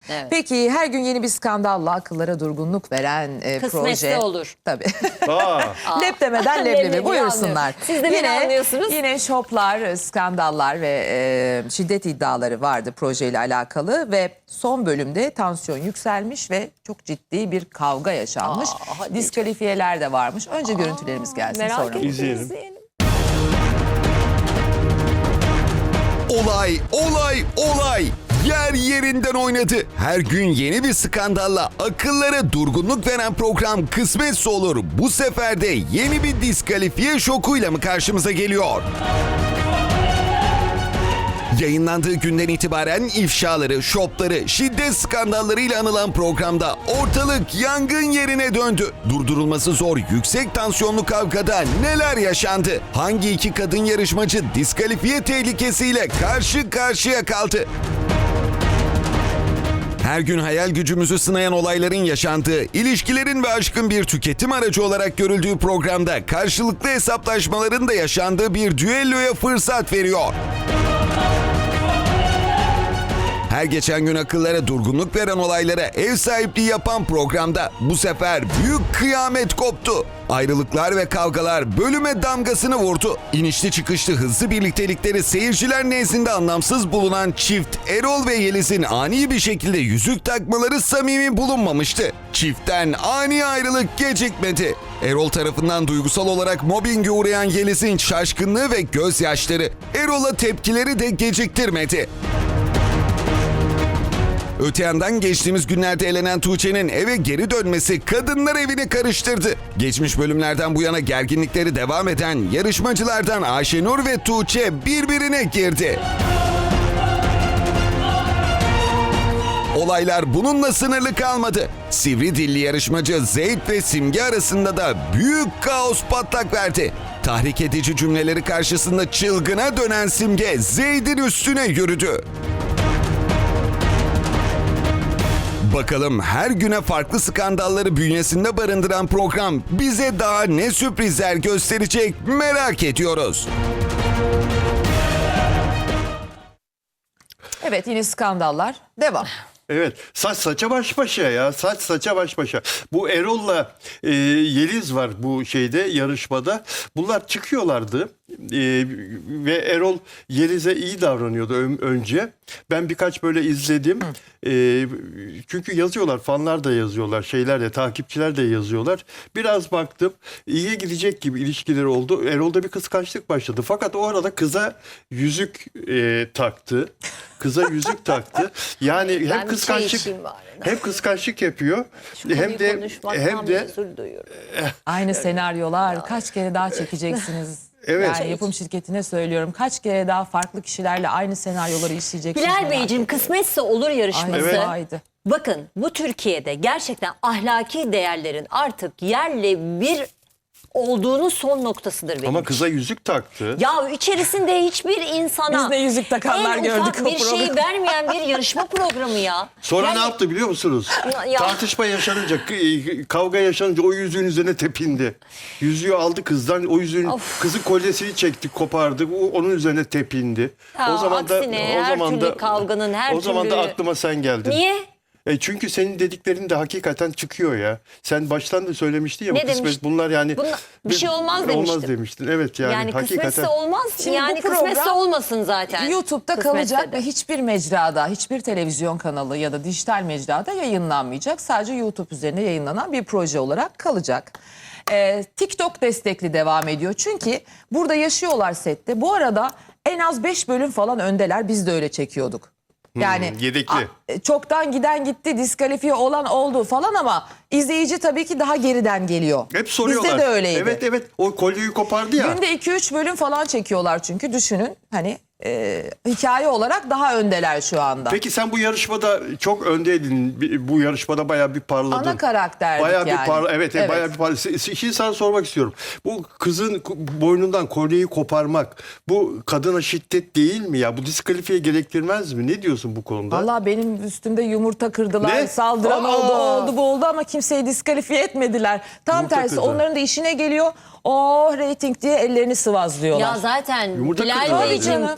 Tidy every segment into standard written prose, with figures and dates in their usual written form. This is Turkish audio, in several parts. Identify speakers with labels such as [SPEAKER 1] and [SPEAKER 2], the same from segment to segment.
[SPEAKER 1] Evet.
[SPEAKER 2] Peki her gün yeni bir skandalla akıllara durgunluk veren
[SPEAKER 1] Kısmetse
[SPEAKER 2] proje.
[SPEAKER 1] olur.
[SPEAKER 2] Tabii.
[SPEAKER 3] Aa,
[SPEAKER 2] Lep demeden leblebi
[SPEAKER 1] Leblebi
[SPEAKER 2] buyursunlar.
[SPEAKER 1] anlıyorum. Siz de beni anlıyorsunuz.
[SPEAKER 2] Yine şoplar, skandallar ve şiddet iddiaları vardı projeyle alakalı ve son bölümde tansiyon yükselmiş ve çok ciddi bir kavga yaşanmış.
[SPEAKER 1] hadi
[SPEAKER 2] Diskalifiyeler de varmış. Önce görüntülerimiz gelsin
[SPEAKER 1] Merak
[SPEAKER 2] sonra.
[SPEAKER 1] ettim.
[SPEAKER 3] İzleyelim.
[SPEAKER 4] Olay yer yerinden oynadı. Her gün yeni bir skandalla akıllara durgunluk veren program Kısmetse Olur bu sefer de yeni bir diskalifiye şokuyla mı karşımıza geliyor? Yayınlandığı günden itibaren ifşaları, şopları, şiddet skandallarıyla anılan programda ortalık yangın yerine döndü. Durdurulması zor yüksek tansiyonlu kavgada neler yaşandı? Hangi iki kadın yarışmacı diskalifiye tehlikesiyle karşı karşıya kaldı? Her gün hayal gücümüzü sınayan olayların yaşandığı, ilişkilerin ve aşkın bir tüketim aracı olarak görüldüğü programda karşılıklı hesaplaşmaların da yaşandığı bir düelloya fırsat veriyor. Her geçen gün akıllara durgunluk veren olaylara ev sahipliği yapan programda bu sefer büyük kıyamet koptu. Ayrılıklar ve kavgalar bölüme damgasını vurdu. İnişli çıkışlı hızlı birliktelikleri seyirciler nezdinde anlamsız bulunan çift Erol ve Yeliz'in ani bir şekilde yüzük takmaları samimi bulunmamıştı. Çiftten ani ayrılık gecikmedi. Erol tarafından duygusal olarak mobbinge uğrayan Yeliz'in şaşkınlığı ve gözyaşları Erol'a tepkileri de geciktirmedi. Öte yandan geçtiğimiz günlerde elenen Tuğçe'nin eve geri dönmesi kadınlar evini karıştırdı. Geçmiş bölümlerden bu yana gerginlikleri devam eden yarışmacılardan Ayşenur ve Tuğçe birbirine girdi. Olaylar bununla sınırlı kalmadı. Sivri dilli yarışmacı Zeyd ve Simge arasında da büyük kaos patlak verdi. Tahrik edici cümleleri karşısında çılgına dönen Simge Zeyd'in üstüne yürüdü. Bakalım her güne farklı skandalları bünyesinde barındıran program bize daha ne sürprizler gösterecek merak ediyoruz.
[SPEAKER 2] Evet yine skandallar devam.
[SPEAKER 3] evet. Saç saça baş başa ya. Saç saça baş başa. Bu Erol'la Yeliz var bu şeyde yarışmada. Bunlar çıkıyorlardı. Ve Erol Yeliz'e iyi davranıyordu önce. Ben birkaç böyle izledim. Çünkü yazıyorlar, fanlar da yazıyorlar, şeyler de, takipçiler de yazıyorlar. Biraz baktım, iyiye gidecek gibi ilişkileri oldu. Erol'da bir kıskançlık başladı. Fakat o arada kıza yüzük taktı. Kıza yüzük taktı. Yani hem kıskançlık yapıyor. Hem de
[SPEAKER 2] Aynı senaryolar kaç kere daha çekeceksiniz?
[SPEAKER 3] Evet.
[SPEAKER 2] Yani yapım şirketine söylüyorum. Kaç kere daha farklı kişilerle aynı senaryoları işleyeceksiniz?
[SPEAKER 1] Bilal
[SPEAKER 2] merak
[SPEAKER 1] Beyciğim,
[SPEAKER 2] ediyorum.
[SPEAKER 1] kısmetse olur yarışması.
[SPEAKER 2] Aynen,
[SPEAKER 3] Evet.
[SPEAKER 2] haydi.
[SPEAKER 1] Bakın bu Türkiye'de gerçekten ahlaki değerlerin artık yerle bir olduğunu son noktasıdır benim
[SPEAKER 3] ama
[SPEAKER 1] için.
[SPEAKER 3] kıza yüzük taktı.
[SPEAKER 1] Ya içerisinde hiçbir insana
[SPEAKER 2] Biz de yüzük takanlar
[SPEAKER 1] en
[SPEAKER 2] gördük
[SPEAKER 1] ufak
[SPEAKER 2] o
[SPEAKER 1] bir şey
[SPEAKER 2] programı.
[SPEAKER 1] vermeyen bir yarışma programı ya.
[SPEAKER 3] Sonra
[SPEAKER 1] Yani
[SPEAKER 3] ne yaptı biliyor musunuz?
[SPEAKER 1] Ya.
[SPEAKER 3] Tartışma yaşanınca, kavga yaşanınca o yüzüğün üzerine tepindi. Yüzüğü aldı kızdan, o yüzüğün kızın kolyesini çekti, kopardı. Onun üzerine tepindi.
[SPEAKER 1] Ya, aksine her türlü kavganın, her
[SPEAKER 3] O zaman da
[SPEAKER 1] türlü-
[SPEAKER 3] aklıma sen geldin.
[SPEAKER 1] Niye?
[SPEAKER 3] Çünkü senin dediklerin de hakikaten çıkıyor ya. Sen baştan da söylemiştin ya.
[SPEAKER 1] Ne
[SPEAKER 3] bu kısmet
[SPEAKER 1] demiştin?
[SPEAKER 3] bunlar yani.
[SPEAKER 1] Bir şey olmaz demiştim.
[SPEAKER 3] Olmaz demiştin. Evet yani,
[SPEAKER 1] Yani
[SPEAKER 3] hakikaten.
[SPEAKER 1] kısmetse olmaz.
[SPEAKER 2] Şimdi
[SPEAKER 1] yani
[SPEAKER 2] bu program
[SPEAKER 1] kısmetse olmasın zaten.
[SPEAKER 2] YouTube'da
[SPEAKER 1] Kısmetse
[SPEAKER 2] kalacak
[SPEAKER 1] de.
[SPEAKER 2] ve hiçbir mecrada, hiçbir televizyon kanalı ya da dijital mecrada yayınlanmayacak. Sadece YouTube üzerine yayınlanan bir proje olarak kalacak. TikTok destekli devam ediyor. Çünkü burada yaşıyorlar sette. Bu arada en az 5 bölüm falan öndeler. Biz de öyle çekiyorduk. Yani
[SPEAKER 3] yedekli.
[SPEAKER 2] Çoktan giden gitti, diskalifiye olan oldu falan ama izleyici tabii ki daha geriden geliyor.
[SPEAKER 3] Hep soruyorlar.
[SPEAKER 2] Bizde de öyleydi.
[SPEAKER 3] Evet evet, o kolyeyi kopardı ya.
[SPEAKER 2] Günde 2-3 bölüm falan çekiyorlar çünkü düşünün hani hikaye olarak daha öndeler şu anda.
[SPEAKER 3] Peki sen bu yarışmada çok öndeydin. Bu yarışmada bayağı bir parladın.
[SPEAKER 2] Ana karakterdik
[SPEAKER 3] bayağı
[SPEAKER 2] yani.
[SPEAKER 3] Bir evet,
[SPEAKER 2] Evet.
[SPEAKER 3] bayağı bir parladın. Şimdi sana sormak istiyorum. Bu kızın boynundan kolyeyi koparmak bu kadına şiddet değil mi ya? Bu diskalifiye gerektirmez mi? Ne diyorsun bu konuda?
[SPEAKER 2] Vallahi benim üstümde yumurta kırdılar,
[SPEAKER 3] Ne?
[SPEAKER 2] saldıran
[SPEAKER 3] Aa!
[SPEAKER 2] oldu bu oldu ama kimseyi diskalifiye etmediler. Tam
[SPEAKER 3] Yumurta
[SPEAKER 2] tersi
[SPEAKER 3] kırdı.
[SPEAKER 2] onların da işine geliyor. Oh reyting diye ellerini sıvazlıyorlar.
[SPEAKER 1] Ya zaten
[SPEAKER 3] Yumurta
[SPEAKER 1] Bilal
[SPEAKER 3] kırdılar
[SPEAKER 1] Beyciğim
[SPEAKER 2] canım.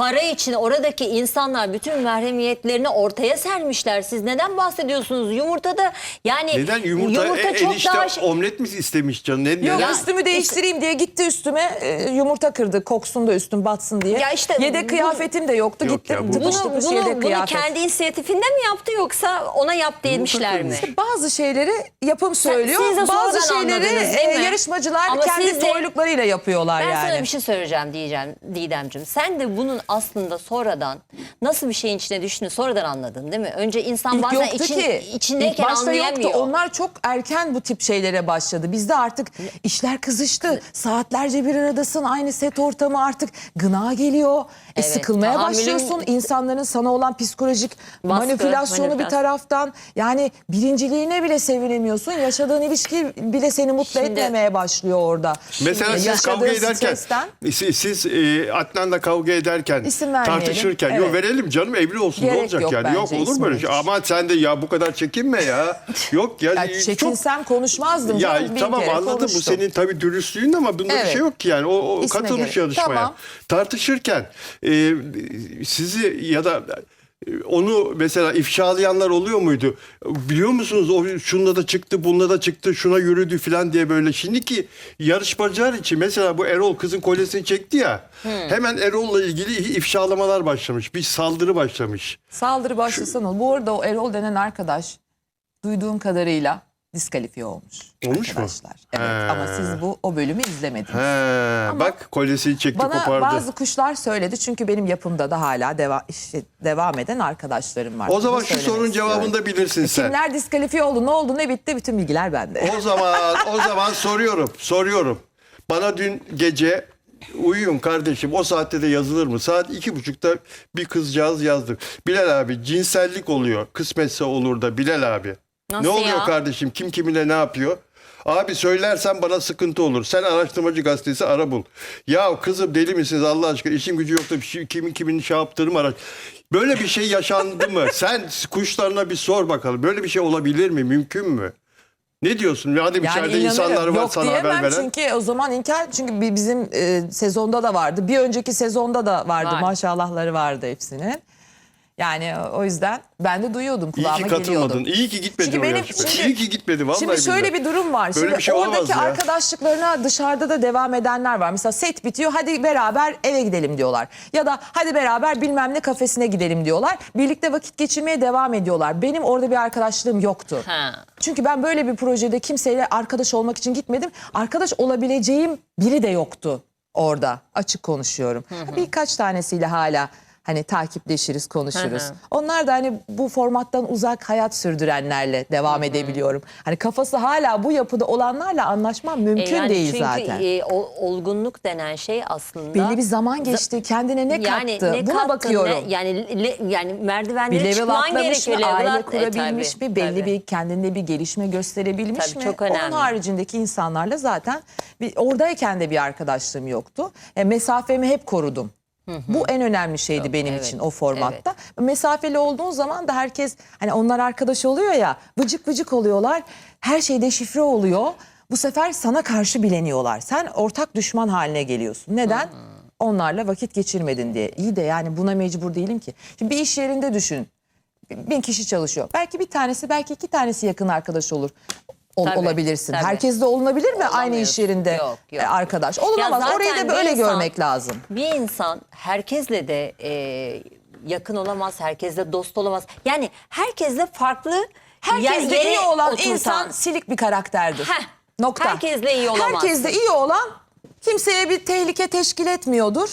[SPEAKER 1] para için oradaki insanlar bütün mahremiyetlerini ortaya sermişler. Siz neden bahsediyorsunuz? Yumurtada yani
[SPEAKER 3] Neden yumurta
[SPEAKER 1] çok
[SPEAKER 3] enişte
[SPEAKER 1] daha
[SPEAKER 3] omlet mi istemiş canım? Ne,
[SPEAKER 2] Yok
[SPEAKER 3] neden?
[SPEAKER 2] üstümü değiştireyim diye gitti üstüme yumurta kırdı koksun da üstüm batsın diye.
[SPEAKER 1] Ya işte
[SPEAKER 2] yedek
[SPEAKER 1] bu-
[SPEAKER 2] kıyafetim de yoktu
[SPEAKER 3] Yok
[SPEAKER 2] gitti
[SPEAKER 3] ya, bu-
[SPEAKER 2] tıpış
[SPEAKER 1] bunu,
[SPEAKER 2] tıpış
[SPEAKER 1] bunu,
[SPEAKER 2] yedek
[SPEAKER 1] bunu
[SPEAKER 2] kıyafet.
[SPEAKER 1] kendi inisiyatifinde mi yaptı yoksa ona yap demişler mi?
[SPEAKER 3] kırmış.
[SPEAKER 2] Bazı şeyleri yapım söylüyor.
[SPEAKER 1] siz de
[SPEAKER 2] Bazı
[SPEAKER 1] sonradan
[SPEAKER 2] şeyleri
[SPEAKER 1] anladınız, değil mi?
[SPEAKER 2] yarışmacılar
[SPEAKER 1] Ama
[SPEAKER 2] kendi
[SPEAKER 1] siz de-
[SPEAKER 2] toyluklarıyla yapıyorlar
[SPEAKER 1] Ben
[SPEAKER 2] yani.
[SPEAKER 1] sana bir şey söyleyeceğim Didemciğim. Sen de bunun aslında sonradan nasıl bir şeyin içine düştüğünü sonradan anladın değil mi? Önce insan
[SPEAKER 2] İlk
[SPEAKER 1] bazen
[SPEAKER 2] yoktu ki.
[SPEAKER 1] içindeyken
[SPEAKER 2] İlk başta
[SPEAKER 1] anlayamıyor.
[SPEAKER 2] yoktu. Onlar çok erken bu tip şeylere başladı. Bizde artık işler kızıştı. Saatlerce bir aradasın. Aynı set ortamı artık gına geliyor.
[SPEAKER 1] Evet,
[SPEAKER 2] Sıkılmaya
[SPEAKER 1] tahammülün-
[SPEAKER 2] başlıyorsun. İnsanların sana olan psikolojik
[SPEAKER 1] Baskı,
[SPEAKER 2] manipülasyonu bir
[SPEAKER 1] manipülasyon.
[SPEAKER 2] taraftan. Yani birinciliğine bile sevinemiyorsun. Yaşadığın ilişki bile seni mutlu
[SPEAKER 1] Şimdi-
[SPEAKER 2] etmemeye başlıyor orada.
[SPEAKER 3] Mesela siz
[SPEAKER 2] Yaşadığın
[SPEAKER 3] kavga ederken,
[SPEAKER 2] stresten-
[SPEAKER 3] siz Adnan'la kavga ederken,
[SPEAKER 2] İsim vermeyelim.
[SPEAKER 3] tartışırken,
[SPEAKER 2] Evet.
[SPEAKER 3] yok verelim canım evli olsun
[SPEAKER 2] Gerek
[SPEAKER 3] ne olacak
[SPEAKER 2] yok
[SPEAKER 3] yani?
[SPEAKER 2] bence
[SPEAKER 3] Yok olur
[SPEAKER 2] ismi
[SPEAKER 3] böyle şey.
[SPEAKER 2] hiç.
[SPEAKER 3] Ama sen de ya bu kadar çekinme ya. Yok ya.
[SPEAKER 2] Ya
[SPEAKER 3] çok
[SPEAKER 2] çekinsem konuşmazdım.
[SPEAKER 3] ya
[SPEAKER 2] canım. Bin
[SPEAKER 3] tamam
[SPEAKER 2] kere
[SPEAKER 3] anladım bu
[SPEAKER 2] konuştum.
[SPEAKER 3] senin tabii dürüstlüğün ama bunda bir
[SPEAKER 2] Evet.
[SPEAKER 3] şey yok ki yani. O
[SPEAKER 2] İsme
[SPEAKER 3] katılmış
[SPEAKER 2] gerek.
[SPEAKER 3] yarışmaya.
[SPEAKER 2] Tamam.
[SPEAKER 3] Tartışırken sizi ya da onu mesela ifşalayanlar oluyor muydu? Biliyor musunuz o şununla da çıktı, bununla da çıktı, şuna yürüdü falan diye böyle. Şimdiki yarışmacılar için mesela bu Erol kızın kolyesini çekti ya. Hemen Erol'la ilgili ifşalamalar başlamış. Bir saldırı başlamış.
[SPEAKER 2] Saldırı başlasın ol. Bu arada o Erol denen arkadaş duyduğum kadarıyla diskalifiye olmuş.
[SPEAKER 3] Olmuş mu?
[SPEAKER 2] arkadaşlar. Evet
[SPEAKER 3] He.
[SPEAKER 2] ama siz o bölümü izlemediniz.
[SPEAKER 3] He, bak kolyesini çekti
[SPEAKER 2] Bana
[SPEAKER 3] kopardı.
[SPEAKER 2] bazı kuşlar söyledi çünkü benim yapımda da hala devam eden arkadaşlarım var.
[SPEAKER 3] O zaman
[SPEAKER 2] Bunu
[SPEAKER 3] şu
[SPEAKER 2] söylemek
[SPEAKER 3] sorunun
[SPEAKER 2] istiyorum.
[SPEAKER 3] cevabını da bilirsin sen.
[SPEAKER 2] Kimler diskalifiye oldu, ne oldu, ne bitti, bütün bilgiler bende.
[SPEAKER 3] O zaman soruyorum. Bana dün gece uyuyun kardeşim o saatte de yazılır mı? Saat 2.30'da bir kızcağız yazdı. Bilal abi cinsellik oluyor. Kısmetse olur da Bilal abi.
[SPEAKER 1] Nasıl
[SPEAKER 3] ne oluyor
[SPEAKER 1] ya?
[SPEAKER 3] kardeşim? Kim kiminle ne yapıyor? Abi söylersen bana sıkıntı olur. Sen araştırmacı gazetesi ara bul. Ya kızım deli misiniz Allah aşkına? İşim gücü yok da kimin şey yaptığını araş. Böyle bir şey yaşandı mı? Sen kuşlarına bir sor bakalım. Böyle bir şey olabilir mi? Mümkün mü? Ne diyorsun? Hadi içeride insanlar var
[SPEAKER 2] yok
[SPEAKER 3] sana haber
[SPEAKER 2] diyemem
[SPEAKER 3] veren.
[SPEAKER 2] çünkü o zaman inkar çünkü bizim sezonda da vardı. Bir önceki sezonda da vardı.
[SPEAKER 1] Var.
[SPEAKER 2] Maşallahları vardı hepsinin. Yani o yüzden ben de duyuyordum,
[SPEAKER 3] İyi
[SPEAKER 2] kulağıma
[SPEAKER 3] ki
[SPEAKER 2] geliyordu.
[SPEAKER 3] katılmadın. İyi ki gitmedin
[SPEAKER 2] Çünkü
[SPEAKER 3] o
[SPEAKER 2] benim-
[SPEAKER 3] yarışmaya.
[SPEAKER 2] şimdi-
[SPEAKER 3] İyi ki gitmedin vallahi
[SPEAKER 2] Şimdi şöyle
[SPEAKER 3] billahi.
[SPEAKER 2] bir durum var.
[SPEAKER 3] Böyle
[SPEAKER 2] Şimdi
[SPEAKER 3] bir şey olamaz
[SPEAKER 2] oradaki
[SPEAKER 3] ya.
[SPEAKER 2] arkadaşlıklarına dışarıda da devam edenler var. Mesela set bitiyor, hadi beraber eve gidelim diyorlar. Ya da hadi beraber bilmem ne kafesine gidelim diyorlar. Birlikte vakit geçirmeye devam ediyorlar. Benim orada bir arkadaşlığım yoktu.
[SPEAKER 1] Ha.
[SPEAKER 2] Çünkü ben böyle bir projede kimseyle arkadaş olmak için gitmedim. Arkadaş olabileceğim biri de yoktu orada. Açık konuşuyorum. Birkaç tanesiyle hala hani takipleşiriz, konuşuruz.
[SPEAKER 1] Hı hı.
[SPEAKER 2] Onlar da hani bu formattan uzak hayat sürdürenlerle devam edebiliyorum. Hani kafası hala bu yapıda olanlarla anlaşmam mümkün
[SPEAKER 1] Yani
[SPEAKER 2] değil
[SPEAKER 1] çünkü,
[SPEAKER 2] zaten.
[SPEAKER 1] olgunluk denen şey aslında
[SPEAKER 2] Belli bir zaman geçti. Kendine ne kattı? Buna bakıyorum.
[SPEAKER 1] Yani
[SPEAKER 2] Bir
[SPEAKER 1] merdivenleri
[SPEAKER 2] level
[SPEAKER 1] çıkman
[SPEAKER 2] atlamış
[SPEAKER 1] gerekiyor.
[SPEAKER 2] mı? Aile
[SPEAKER 1] Level
[SPEAKER 2] kurabilmiş
[SPEAKER 1] tabii,
[SPEAKER 2] mi? Belli
[SPEAKER 1] tabii.
[SPEAKER 2] bir kendinde bir gelişme gösterebilmiş
[SPEAKER 1] Tabii,
[SPEAKER 2] mi?
[SPEAKER 1] çok
[SPEAKER 2] Onun
[SPEAKER 1] önemli.
[SPEAKER 2] haricindeki insanlarla zaten oradayken de bir arkadaşlığım yoktu. Mesafemi hep korudum. Bu en önemli şeydi benim
[SPEAKER 1] evet,
[SPEAKER 2] için o formatta. Mesafeli olduğun zaman da herkes hani onlar arkadaş oluyor ya, vıcık vıcık oluyorlar. Her şey deşifre oluyor. Bu sefer sana karşı bileniyorlar. Sen ortak düşman haline geliyorsun. Neden? Onlarla vakit geçirmedin diye. İyi de yani buna mecbur değilim ki. Şimdi bir iş yerinde düşün. 1000 kişi çalışıyor. Belki bir tanesi, belki 2 tanesi yakın arkadaş olur.
[SPEAKER 1] Tabii,
[SPEAKER 2] Olabilirsin.
[SPEAKER 1] tabii.
[SPEAKER 2] Herkes de olunabilir mi aynı iş yerinde
[SPEAKER 1] Yok, yok.
[SPEAKER 2] arkadaş? Olunamaz.
[SPEAKER 1] Ya
[SPEAKER 2] Orayı
[SPEAKER 1] zaten
[SPEAKER 2] da böyle
[SPEAKER 1] bir insan-
[SPEAKER 2] görmek lazım.
[SPEAKER 1] Bir insan herkesle de yakın olamaz, herkesle dost olamaz. Yani herkesle farklı
[SPEAKER 2] Herkesle
[SPEAKER 1] yere
[SPEAKER 2] iyi olan
[SPEAKER 1] oturtan-
[SPEAKER 2] insan silik bir karakterdir.
[SPEAKER 1] Heh,
[SPEAKER 2] Nokta.
[SPEAKER 1] herkesle iyi olamazsın.
[SPEAKER 2] Herkesle iyi olan kimseye bir tehlike teşkil etmiyordur.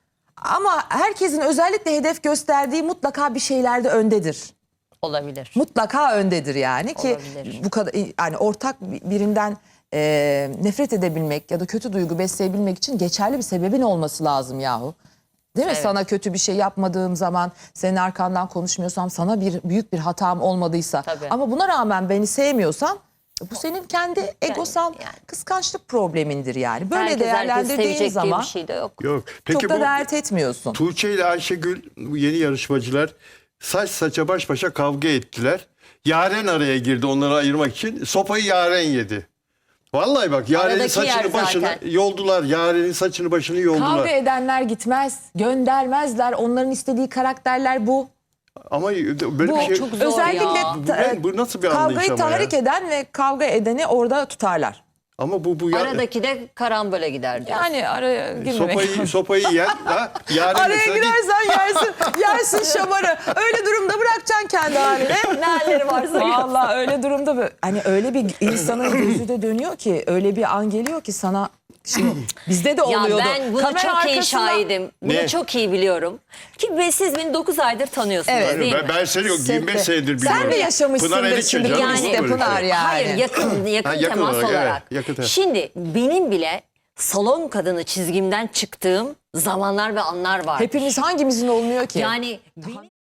[SPEAKER 2] Ama herkesin özellikle hedef gösterdiği mutlaka bir şeylerde öndedir.
[SPEAKER 1] olabilir.
[SPEAKER 2] Mutlaka öndedir yani ki
[SPEAKER 1] Olabilir.
[SPEAKER 2] bu kadar yani ortak birinden nefret edebilmek ya da kötü duygu besleyebilmek için geçerli bir sebebin olması lazım yahu. Değil mi?
[SPEAKER 1] Evet.
[SPEAKER 2] Sana kötü bir şey yapmadığım zaman, senin arkandan konuşmuyorsam, sana büyük bir hatam olmadıysa
[SPEAKER 1] Tabii.
[SPEAKER 2] ama buna rağmen beni sevmiyorsan bu senin kendi egosal
[SPEAKER 1] yani.
[SPEAKER 2] kıskançlık problemindir yani. Böyle
[SPEAKER 1] Herkesi
[SPEAKER 2] değerlendirdiğin
[SPEAKER 1] sevecek diye
[SPEAKER 2] zaman
[SPEAKER 1] bir şey de yok.
[SPEAKER 3] Yok. Peki
[SPEAKER 2] çok da
[SPEAKER 3] bu
[SPEAKER 2] dert etmiyorsun.
[SPEAKER 3] Tuğçe ile Ayşegül bu yeni yarışmacılar saç saça baş başa kavga ettiler. Yaren araya girdi onları ayırmak için. Sopayı Yaren yedi. Vallahi bak Yaren'in
[SPEAKER 1] Aradaki yer
[SPEAKER 3] saçını başını
[SPEAKER 1] zaten.
[SPEAKER 3] yoldular. Yaren'in saçını başını yoldular.
[SPEAKER 2] Kavga edenler gitmez, göndermezler. Onların istediği karakterler bu.
[SPEAKER 3] Ama böyle
[SPEAKER 2] Bu
[SPEAKER 3] bir şey...
[SPEAKER 1] çok zor
[SPEAKER 2] özellikle
[SPEAKER 1] ya.
[SPEAKER 3] Bu nasıl bir anlayış
[SPEAKER 2] kavgayı
[SPEAKER 3] ama ya?
[SPEAKER 2] tahrik eden ve kavga edeni orada tutarlar.
[SPEAKER 3] Ama bu
[SPEAKER 1] Aradaki de karambole gider diyor.
[SPEAKER 2] Yani araya girmemek.
[SPEAKER 3] sopayı yen. Ha? Yaren
[SPEAKER 2] Araya
[SPEAKER 3] mesela
[SPEAKER 2] girersen yersin şamarı. Öyle durumda bırakacaksın kendi haline.
[SPEAKER 1] Ne halleri varsa
[SPEAKER 2] Vallahi öyle durumda hani öyle bir insanın gözü de dönüyor ki, öyle bir an geliyor ki sana. Şimdi bizde de
[SPEAKER 1] Ya
[SPEAKER 2] oluyordu.
[SPEAKER 1] ben bunu
[SPEAKER 2] Kamera
[SPEAKER 1] çok iyi
[SPEAKER 2] arkasında-
[SPEAKER 1] şahidim. Bunu
[SPEAKER 3] Ne?
[SPEAKER 1] çok iyi biliyorum. Ki siz beni 9 aydır tanıyorsunuz
[SPEAKER 2] Evet.
[SPEAKER 1] değil mi?
[SPEAKER 3] Ben seni yok 25 senedir biliyorum.
[SPEAKER 2] Sen de yaşamışsındır
[SPEAKER 3] Pınar Erikçe
[SPEAKER 2] şimdi
[SPEAKER 3] canım,
[SPEAKER 1] yani.
[SPEAKER 3] olur mu böyle
[SPEAKER 2] Pınar
[SPEAKER 3] şey?
[SPEAKER 2] yani.
[SPEAKER 1] Hayır yakın
[SPEAKER 3] Ha, yakın
[SPEAKER 1] temas
[SPEAKER 3] olarak, evet,
[SPEAKER 1] olarak.
[SPEAKER 3] yakın temas.
[SPEAKER 1] Şimdi benim bile salon kadını çizgimden çıktığım zamanlar ve anlar var.
[SPEAKER 2] Hepimiz hangimizin olmuyor ki?
[SPEAKER 1] Yani benim